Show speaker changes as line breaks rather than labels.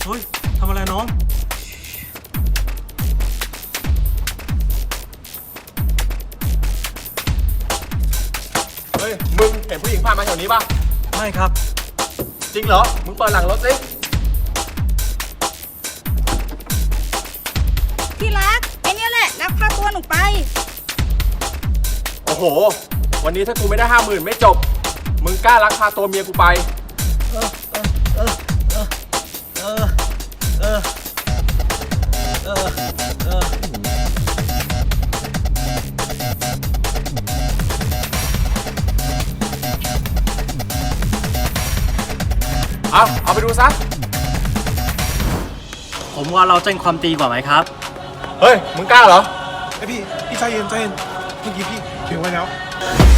เฮ้ยทำอะไรน้อง
เฮ้ยมึงเห็นผู้หญิงผ่านมาแถวนี้ป่ะ
ไม่ครับ
จริงเหรอมึงเปิดหลังรถสิ
พี่รักไอเนี้ยแหละลักพาตัวหนูไป
โอ้โหวันนี้ถ้ากูไม่ได้50,000ไม่จบมึงกล้าลักพาตัวเมียกูไปเอาไปดูซะ
ผมว่าเราแจ้งความตีกว่าไหมครับ
เฮ้ยมึงกล้าเหรอ
ไอพี่ใจเย็นเมื่อกี้พี่ถึงไว้แล้ว